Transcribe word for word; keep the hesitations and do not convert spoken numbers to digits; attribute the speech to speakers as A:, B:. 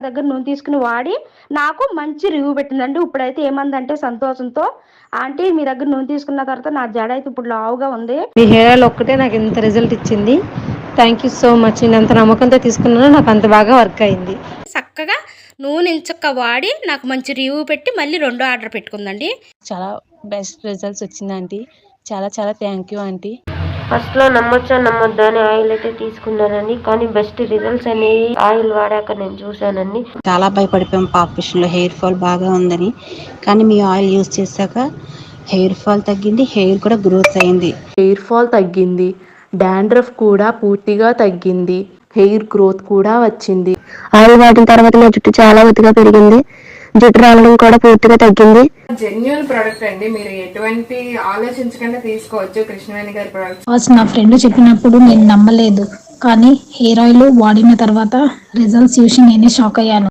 A: దగ్గర నూనె తీసుకుని వాడి నాకు మంచి రివ్యూ పెట్టిందండి. ఇప్పుడైతే ఏమందంటే సంతోషంతో, ఆంటీ మీ దగ్గర నూనె తీసుకున్న తర్వాత నా జడ అయితే ఇప్పుడు లావుగా ఉంది.
B: మీ హెయిర్ ఆయిల్ ఒక్కటే నాకు ఇంత రిజల్ట్ ఇచ్చింది. Thank you so much. నేను అంత నమ్మకంతో తీసుకున్నాను, నాకు అంత బాగా వర్క్ అయింది.
A: చక్కగా నూనె ఇంచక్క వాడి నాకు మంచి రివ్యూ పెట్టి మళ్ళీ రెండో ఆర్డర్ పెట్టుకుందండి.
B: చాలా బెస్ట్ రిజల్ట్స్ వచ్చింది ఆంటీ. చాలా చాలా థ్యాంక్ యూ ఆంటీ.
C: ఫస్ట్లో నమ్మొచ్చా నమ్మొద్దా అని ఆయిల్ అయితే తీసుకున్నానండి, కానీ బెస్ట్ రిజల్ట్స్ అనేవి ఆయిల్ వాడాక నేను చూశానండి.
D: చాలా భయపడిపోయాం పాప విషయంలో, హెయిర్ ఫాల్ బాగా ఉందని. కానీ మీ ఆయిల్ యూజ్ చేశాక హెయిర్ ఫాల్ తగ్గింది, హెయిర్ కూడా గ్రోత్ అయింది.
E: హెయిర్ ఫాల్ తగ్గింది, డాండ్రఫ్ కూడా పూర్తిగా తగ్గింది, హెయిర్ గ్రోత్ కూడా వచ్చింది.
F: ఆయిల్ వాడిన తర్వాత నా జుట్టు చాలా ఒత్తుగా పెరిగింది, జుట్టు రావడం కూడా పూర్తిగా తగ్గింది.
G: జెన్యూన్ ప్రొడక్ట్ అండి, మీరు ఎటువంటి ఆలోచించకుండా తీసుకోవచ్చు కృష్ణవేణి గారి ప్రొడక్ట్.
H: ఫస్ట్ నా ఫ్రెండ్ చెప్పినప్పుడు నేను నమ్మలేదు, కానీ హెయిర్ ఆయిల్ వాడిన తర్వాత రిజల్ట్స్ చూసి నేనే షాక్ అయ్యాను.